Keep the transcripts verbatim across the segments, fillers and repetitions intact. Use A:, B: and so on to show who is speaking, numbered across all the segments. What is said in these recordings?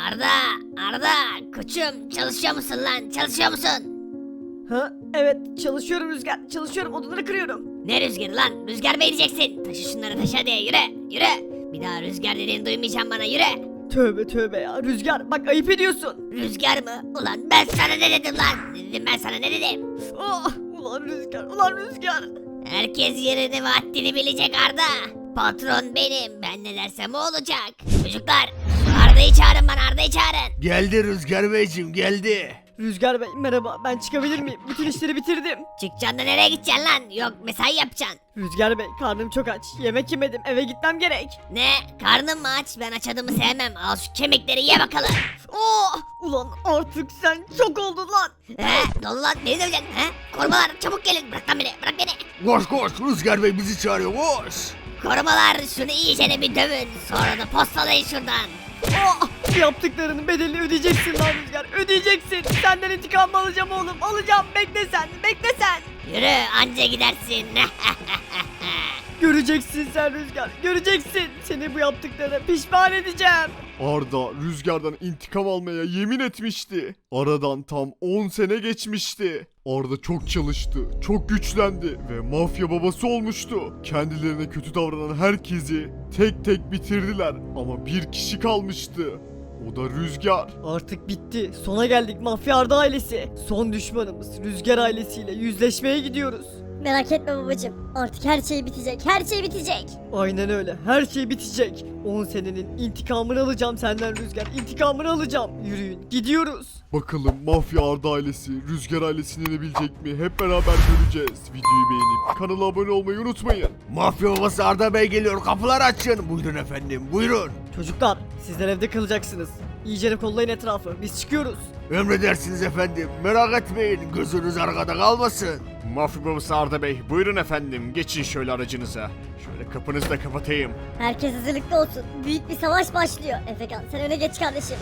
A: Arda, Arda, koçum çalışıyor musun lan? Çalışıyor musun?
B: Ha evet çalışıyorum Rüzgar, çalışıyorum, odaları kırıyorum.
A: Ne rüzgarı lan? Rüzgar mı edeceksin? Taşı şunları taşı hadi yürü, yürü. Bir daha rüzgar dediğini duymayacağım bana yürü.
B: Tövbe tövbe ya Rüzgar, bak ayıp ediyorsun.
A: Rüzgar mı? Ulan ben sana ne dedim lan? Ne dedim ben sana ne dedim?
B: Ah ulan Rüzgar, ulan Rüzgar.
A: Herkes yerini ve haddini bilecek Arda. Patron benim. Ben ne dersem o olacak. Çocuklar şu Arda'yı çağırın bana Arda'yı çağırın.
C: Geldi Rüzgar Beyciğim geldi.
B: Rüzgar Bey merhaba, ben çıkabilir miyim? Bütün işleri bitirdim.
A: Çıkacaksın da nereye gideceksin lan? Yok mesai yapacaksın.
B: Rüzgar Bey karnım çok aç, yemek yemedim, eve gitmem gerek.
A: Ne? Karnın mı aç? Ben aç adamı sevmem. Al şu kemikleri ye bakalım.
B: Oh ulan artık sen çok oldun lan.
A: He? Dolu lan beni döveceksin he? Korumalar çabuk gelin. Bırak lan beni. Bırak beni.
C: Koş koş Rüzgar Bey bizi çağırıyor koş.
A: Korumalar şunu iyicene bir dövün. Sonra da postalayın şuradan.
B: Oh yaptıklarının bedelini ödeyeceksin lan Rüzgar, ödeyeceksin. Senden intikam alacağım oğlum, alacağım, bekle sen, bekle sen.
A: Yürü anca gidersin.
B: Göreceksin sen Rüzgar, göreceksin. Seni bu yaptıklarına pişman edeceğim.
D: Arda Rüzgar'dan intikam almaya yemin etmişti. Aradan tam on sene geçmişti. Arda çok çalıştı, çok güçlendi ve mafya babası olmuştu. Kendilerine kötü davranan herkesi tek tek bitirdiler ama bir kişi kalmıştı. O da Rüzgar.
B: Artık bitti. Sona geldik Mafya Arda ailesi. Son düşmanımız Rüzgar ailesiyle yüzleşmeye gidiyoruz.
E: Merak etme babacım. Artık her şey bitecek. Her şey bitecek.
B: Aynen öyle. Her şey bitecek. on senenin intikamını alacağım senden Rüzgar. İntikamını alacağım. Yürüyün. Gidiyoruz.
D: Bakalım Mafya Arda ailesi Rüzgar ailesini yenebilecek mi? Hep beraber göreceğiz. Videoyu beğenip kanala abone olmayı unutmayın.
C: Mafya babası Arda Bey geliyor kapılar açın. Buyurun efendim buyurun.
B: Çocuklar sizler evde kalacaksınız. İyice kollayın etrafı. Biz çıkıyoruz.
C: Emredersiniz efendim merak etmeyin gözünüz arkada kalmasın.
D: Mafya babası Arda Bey buyurun efendim geçin şöyle aracınıza. Şöyle kapınızı da kapatayım.
E: Herkes hazırlıklı olsun. Büyük bir savaş başlıyor. Efekan sen öne geç kardeşim.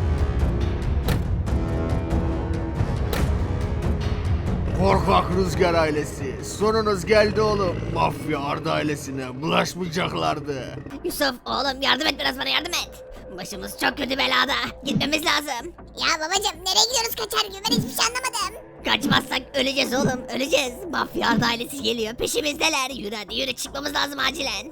C: Korkak Rüzgar ailesi sonunuz geldi oğlum. Mafya Arda ailesine bulaşmayacaklardı.
A: Yusuf oğlum yardım et biraz bana yardım et. Başımız çok kötü belada. Gitmemiz lazım.
E: Ya babacım nereye gidiyoruz kaçar gibi ben hiçbir şey anlamadım.
A: Kaçmazsak öleceğiz oğlum öleceğiz. Mafya Arda ailesi geliyor peşimizdeler. Yürü hadi yürü çıkmamız lazım acilen.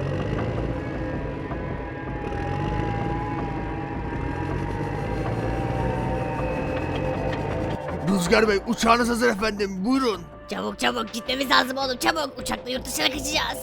C: Rüzgar Bey uçağınız hazır efendim buyurun.
A: Çabuk çabuk gitmemiz lazım oğlum çabuk. Uçakla yurt dışına kaçacağız.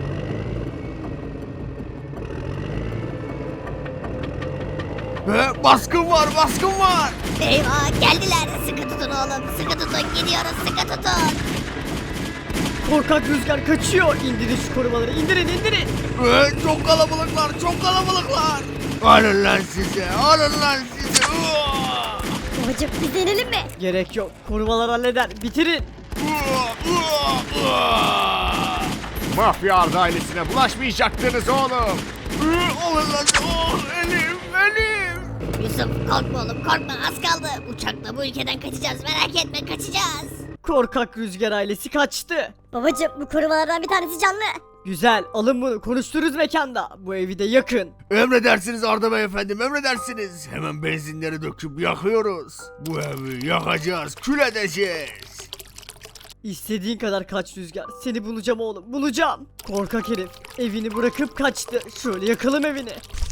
C: He, baskın var baskın var.
A: Eyvah geldiler. Sıkı tutun oğlum sıkı tutun gidiyoruz sıkı tutun.
B: Korkak Rüzgar kaçıyor. İndirin şu korumaları. İndirin indirin.
C: He, çok kalabalıklar çok kalabalıklar. Alın lan size alın lan size. Uaa!
E: Babacım biz de inelim mi?
B: Gerek yok. Korumalar halleder. Bitirin.
C: Uaa, uaa, uaa.
D: Mafya Arda ailesine bulaşmayacaktınız oğlum.
C: Hı, alın lan. Oh, elim elim.
A: Yusuf korkma oğlum korkma az kaldı. Uçakla bu ülkeden kaçacağız merak etme kaçacağız.
B: Korkak Rüzgar ailesi kaçtı.
E: Babacım bu korumalardan bir tanesi canlı.
B: Güzel, alın bunu, konuştururuz mekanda. Bu evi de yakın.
C: Emredersiniz Arda Bey efendim emredersiniz. Hemen benzinleri döküp yakıyoruz. Bu evi yakacağız kül edeceğiz.
B: İstediğin kadar kaç Rüzgar. Seni bulacağım oğlum, bulacağım. Korkak herif, evini bırakıp kaçtı. Şöyle yakalım evini.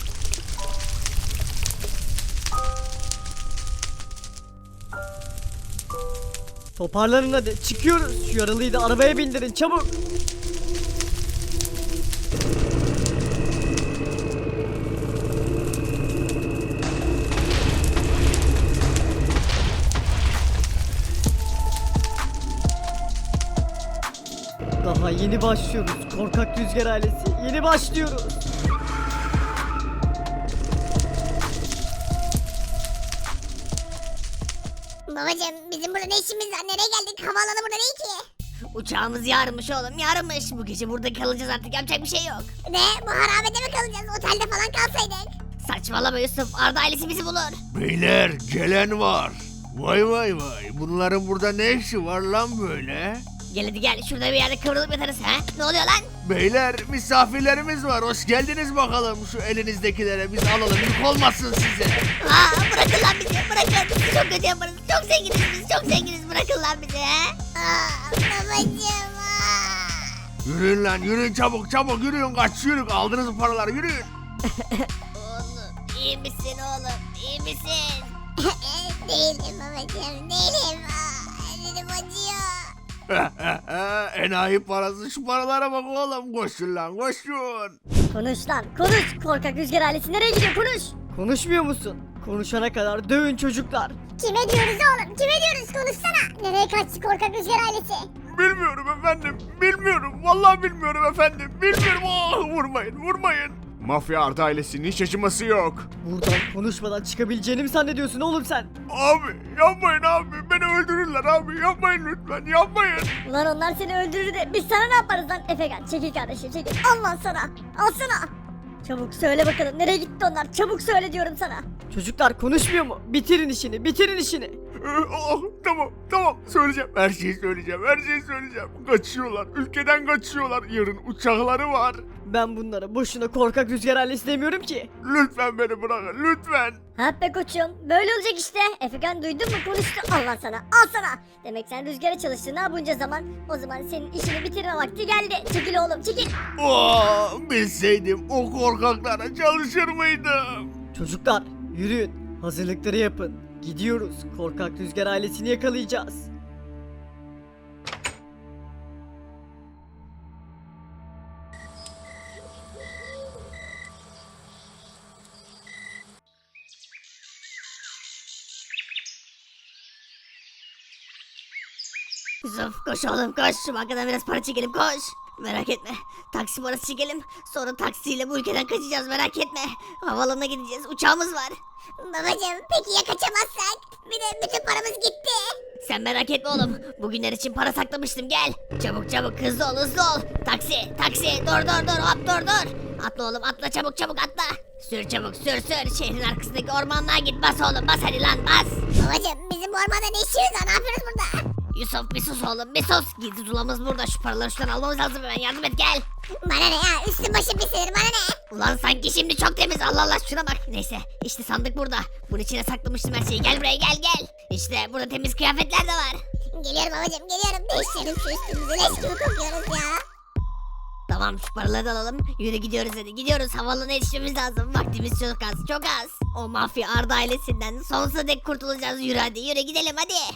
B: Toparlanın hadi, çıkıyoruz. Şu yaralıyı da arabaya bindirin, çabuk. Daha yeni başlıyoruz. Korkak Rüzgar ailesi. Yeni başlıyoruz.
E: Babacım bizim burada ne işimiz var? Nereye geldik? Havaalanı burada değil ki.
A: Uçağımız yarınmış oğlum yarınmış. Bu gece burada kalacağız artık yapacak bir şey yok.
E: Ne? Bu harabede mi kalacağız? Otelde falan kalsaydık.
A: Saçmalama Yusuf Arda ailesi bizi bulur.
C: Beyler gelen var. Vay vay vay bunların burada ne işi var lan böyle?
A: Gel hadi gel şurada bir yerde kıvrılıp yatarız ha. Ne oluyor lan?
C: Beyler misafirlerimiz var. Hoş geldiniz bakalım. Şu elinizdekilere biz alalım. Yük olmasın size.
A: Aa bırakın lan bizi bırakın. Biz çok kötü yaparız. Çok zenginiz biz çok zenginiz. Bırakın lan bizi ha. Aa babacığım.
C: Yürüyün lan yürüyün çabuk çabuk yürüyün kaçıyoruz. Aldınız bu paraları yürüyün.
A: Oğlum iyi misin oğlum? İyi misin?
F: Değilim babacığım değilim. Aa, elim acıyor.
C: Enayi parası şu paralara bak oğlum. Koşun lan koşun.
E: Konuş lan konuş. Korkak Rüzgar ailesi nereye gidiyor konuş.
B: Konuşmuyor musun? Konuşana kadar dövün çocuklar.
F: Kime diyoruz oğlum kime diyoruz konuşsana. Nereye kaçtı korkak Rüzgar ailesi?
C: Bilmiyorum efendim. Bilmiyorum. Vallahi bilmiyorum efendim. Bilmiyorum. Oh, vurmayın vurmayın. Mafya Arda ailesinin hiç acıması yok.
B: Buradan konuşmadan çıkabileceğini mi zannediyorsun oğlum sen?
C: Abi yapmayın abi. Beni öldürürler abi. Yapmayın lütfen yapmayın.
E: Ulan onlar seni öldürür de biz sana ne yaparız lan? Efekan çekil kardeşim çekil. Al lan sana. Al sana. Çabuk söyle bakalım nereye gitti onlar? Çabuk söyle diyorum sana.
B: Çocuklar konuşmuyor mu? Bitirin işini, bitirin işini.
C: Oh, tamam tamam söyleyeceğim. Her şeyi söyleyeceğim. Her şeyi söyleyeceğim. Kaçıyorlar. Ülkeden kaçıyorlar. Yarın uçakları var.
B: Ben bunlara boşuna korkak Rüzgar ailesi demiyorum ki.
C: Lütfen beni bırakın. Lütfen.
E: Ha be koçum böyle olacak işte. Efekan duydun mu konuştu. Al lan sana al sana. Demek sen rüzgara çalıştın ha bunca zaman. O zaman senin işini bitirme vakti geldi. Çekil oğlum çekil.
C: Oh, bilseydim o korkaklara çalışır mıydım?
B: Çocuklar yürüyün, hazırlıkları yapın. Gidiyoruz, korkak Rüzgar ailesini yakalayacağız.
A: Yusuf koş oğlum koş. Şu bankadan biraz para çekelim koş. Merak etme. Taksi parası çekelim. Sonra taksiyle bu ülkeden kaçacağız merak etme. Havaalanına gideceğiz. Uçağımız var.
F: Babacığım peki ya kaçamazsak? Bir de bütün paramız gitti.
A: Sen merak etme oğlum. Bugünler için para saklamıştım gel. Çabuk çabuk hızlı ol hızlı ol. Taksi taksi dur dur dur hop dur dur. Atla oğlum atla çabuk çabuk atla. Sür çabuk sür sür. Şehrin arkasındaki ormanlığa git bas oğlum bas hadi lan bas.
F: Babacığım bizim bu ormanda ne işimiz var ne yapıyoruz burada?
A: Yusuf bir sus oğlum bir sus. Gizli zulamız burada şu paraları şuradan almamız lazım hemen yardım et gel.
F: Bana ne ya üstüm başım pisilir bana ne?
A: Ulan sanki şimdi çok temiz Allah Allah şuna bak. Neyse işte sandık burada. Bunun içine saklamıştım her şeyi gel buraya gel gel. İşte burada temiz kıyafetler de var.
F: Geliyorum babacığım geliyorum değiştirelim şu üstümüzü leş gibi kokuyoruz ya.
A: Tamam şu paraları da alalım. Yürü gidiyoruz hadi gidiyoruz. Havaalanına yetişmemiz lazım. Vaktimiz çok az çok az. O mafya Arda ailesinden sonsuza dek kurtulacağız. Yürü hadi yürü gidelim hadi.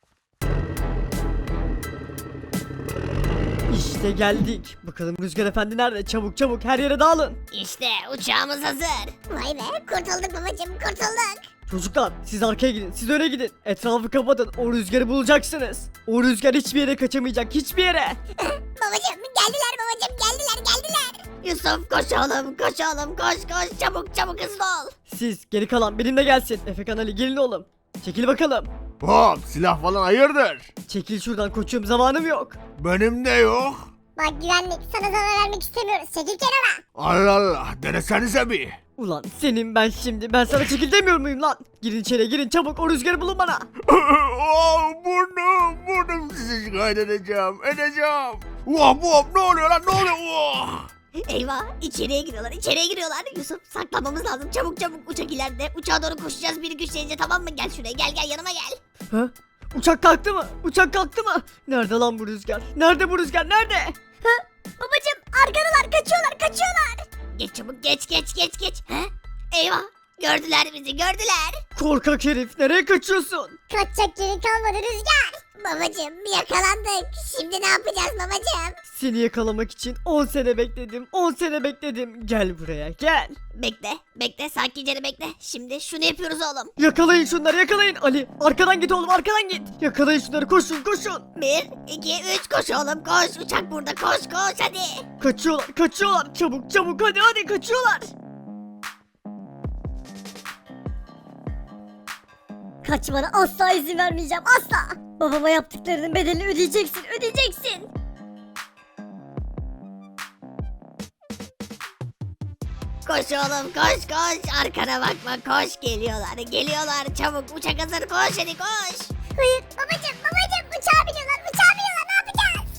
B: İşte geldik. Bakalım Rüzgar Efendi nerede? Çabuk çabuk her yere dağılın.
A: İşte uçağımız hazır.
F: Vay be kurtulduk babacığım kurtulduk.
B: Çocuklar siz arkaya gidin, siz öne gidin. Etrafı kapatın, o rüzgarı bulacaksınız. O rüzgar hiçbir yere kaçamayacak, hiçbir yere.
F: Babacığım geldiler babacığım geldiler geldiler.
A: Yusuf koş oğlum koş oğlum koş koş çabuk çabuk hızlı ol.
B: Siz geri kalan benimle gelsin. Efekan Ali gelin oğlum. Çekil bakalım.
C: Hop silah falan hayırdır?
B: Çekil şuradan koçum, zamanım yok.
C: Benim de yok.
F: Bak güvenlik sana zarar vermek istemiyoruz çekil kenara.
C: Allah Allah denesenize bir.
B: Ulan senin ben şimdi, ben sana çekil demiyor muyum lan? Girin içeri girin çabuk, o rüzgarı bulun bana.
C: Oh, burnum burnum sizi şikayet edeceğim edeceğim. Vah vah ne oluyor lan ne oluyor? Oh.
A: Eyvah içeriye giriyorlar içeriye giriyorlar. Yusuf saklanmamız lazım çabuk çabuk uçak ileride. Uçağa doğru koşacağız bir güç deyince tamam mı? Gel şuraya gel gel yanıma gel.
B: Ha? Uçak kalktı mı? Uçak kalktı mı? Nerede lan bu rüzgar? Nerede bu rüzgar? Nerede?
E: Ha? Babacım arkadalar kaçıyorlar kaçıyorlar.
A: Geç çabuk geç geç geç geç. He? Eyvah gördüler bizi gördüler.
B: Korkak herif, nereye kaçıyorsun?
F: Kaçacak yeri kalmadı Rüzgar. Babacığım yakalandık. Şimdi ne yapacağız babacığım?
B: Seni yakalamak için on sene bekledim, on sene bekledim. Gel buraya, gel.
A: Bekle bekle sakince bekle. Şimdi şunu yapıyoruz oğlum.
B: Yakalayın şunları, yakalayın. Ali, arkadan git oğlum, arkadan git. Yakalayın şunları, koşun, koşun.
A: Bir iki üç koş oğlum koş. Uçak burada koş koş hadi.
B: Kaçıyorlar, kaçıyorlar. Çabuk, çabuk, hadi, hadi, kaçıyorlar.
E: Kaçmana asla izin vermeyeceğim asla. Babama yaptıklarının bedelini ödeyeceksin ödeyeceksin.
A: Koş oğlum koş koş. Arkana bakma koş geliyorlar geliyorlar. Çabuk uçak hazır koş hadi koş.
F: Hayır babacığım babacığım uçağa biniyorlar uçağa biniyorlar ne yapacağız?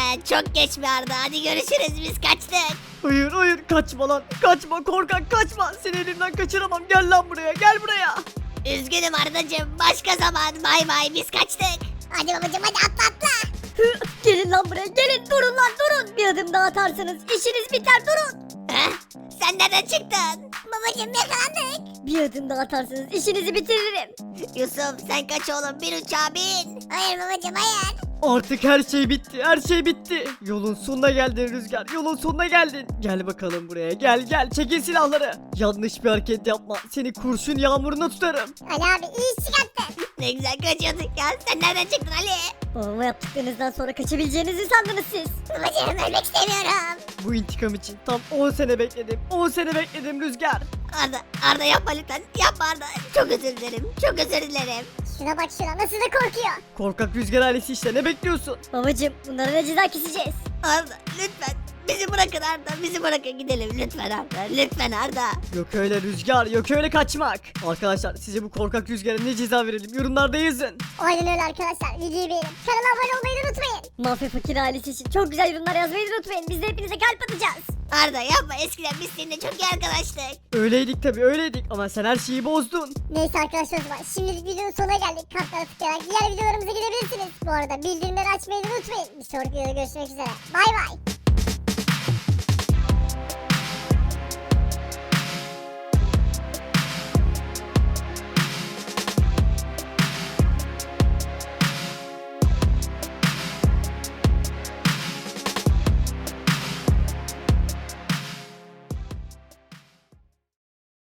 A: Çok geç mi Arda? Hadi görüşürüz biz kaçtık.
B: Hayır hayır kaçma lan. Kaçma korkak kaçma. Seni elimden kaçıramam. Gel lan buraya gel buraya.
A: Üzgünüm Ardacığım. Başka zaman bay bay biz kaçtık.
F: Hadi babacım hadi atla atla.
E: Hı, gelin lan buraya gelin durun lan durun. Bir adım daha atarsanız işiniz biter durun.
A: Heh? Sen nereden çıktın?
F: Babacım yakalandık.
E: Bir adım daha atarsanız işinizi bitiririm.
A: Yusuf sen kaç oğlum bir uçağa bin.
F: Hayır babacım hayır.
B: Artık her şey bitti. Her şey bitti. Yolun sonuna geldin Rüzgar. Yolun sonuna geldin. Gel bakalım buraya. Gel gel. Çekin silahları. Yanlış bir hareket yapma. Seni kurşun yağmuruna tutarım.
F: Ali abi iyi iş çıkarttın.
A: Ne güzel kaçıyorduk ya. Sen nereden çıktın Ali?
E: Babama yaptıklarınızdan sonra kaçabileceğinizi sandınız siz.
F: Babacım ölmek istemiyorum.
B: Bu intikam için tam on sene bekledim. on sene bekledim Rüzgar.
A: Arda, Arda yapma lütfen. Yapma Arda. Çok özür dilerim. Çok özür dilerim.
F: Şuna bak şuna nasıl da korkuyor.
B: Korkak Rüzgar ailesi işte ne bekliyorsun?
E: Babacım bunlara ne ceza keseceğiz?
A: Arda lütfen. Bizi bırakın Arda. Bizi bırakın gidelim. Lütfen Arda. Lütfen Arda.
B: Yok öyle Rüzgar, yok öyle kaçmak. Arkadaşlar size bu korkak Rüzgar'a ne ceza verelim yorumlarda yazın.
F: Aynen öyle arkadaşlar. Videoyu beğenin. Kanala abone olmayı da unutmayın.
E: Mafya fakir ailesi için çok güzel yorumlar yazmayı da unutmayın. Biz de hepinize kalp atacağız.
A: Arda yapma. Eskiden biz seninle çok iyi arkadaştık.
B: Öyleydik tabii öyleydik ama sen her şeyi bozdun.
F: Neyse arkadaşlar o zaman şimdilik videonun sonuna geldik. Kartlara tıklayarak diğer videolarımıza gidebilirsiniz. Bu arada bildirimleri açmayı da unutmayın. Bir sonraki videoda görüşmek üzere. Bay bay.